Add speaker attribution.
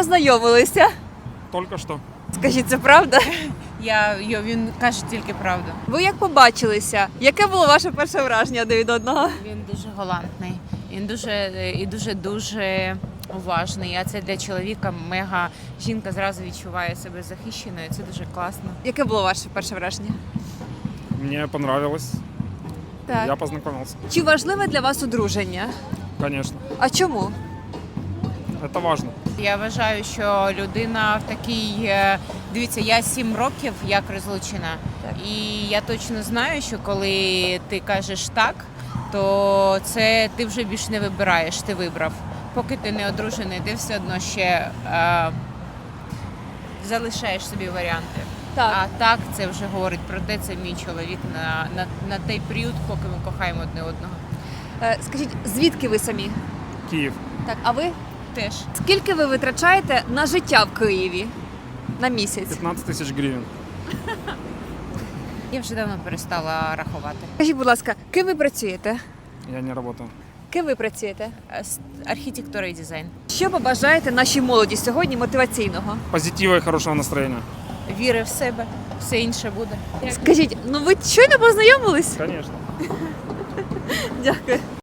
Speaker 1: познайомилися?
Speaker 2: Только что.
Speaker 1: Скажіть, це правда?
Speaker 3: Він каже тільки правду.
Speaker 1: Ви як побачилися? Яке було ваше перше враження один від одного?
Speaker 3: Він дуже галантний, він дуже уважний. А це для чоловіка мега. Жінка зразу відчуває себе захищеною. Це дуже класно.
Speaker 1: Яке було ваше перше враження?
Speaker 2: Мне понравилось.
Speaker 1: Так.
Speaker 2: Я познакомился.
Speaker 1: Чи важливе для вас одруження?
Speaker 2: Конечно.
Speaker 1: А чому?
Speaker 2: Это важно.
Speaker 3: Я вважаю, що людина в такій. Дивіться, я 7 років як розлучена.
Speaker 1: Так.
Speaker 3: І я точно знаю, що коли ти кажеш так, то це ти вже більш не вибираєш, ти вибрав. Поки ти не одружений, ти все одно ще залишаєш собі варіанти.
Speaker 1: Так.
Speaker 3: А так, це вже говорить про те, це мій чоловік на той період, поки ми кохаємо одне одного.
Speaker 1: Скажіть, звідки ви самі?
Speaker 2: Киев.
Speaker 1: Так, а ви?
Speaker 3: Теж.
Speaker 1: Скільки ви витрачаєте на життя в Києві на місяць?
Speaker 2: 15 тысяч гривен.
Speaker 3: Я вже давно перестала рахувати.
Speaker 1: Скажіть, будь ласка, ким ви працюєте?
Speaker 2: Я не работаю.
Speaker 1: Ким ви працюєте?
Speaker 3: Архітектура і дизайн.
Speaker 1: Що побажаєте нашій молоді сьогодні мотиваційного?
Speaker 2: Позитива и хорошего настроения.
Speaker 3: Віри в себе, все інше буде.
Speaker 1: Скажіть, ну ви щойно познайомились?
Speaker 2: Конечно.
Speaker 1: Дякую.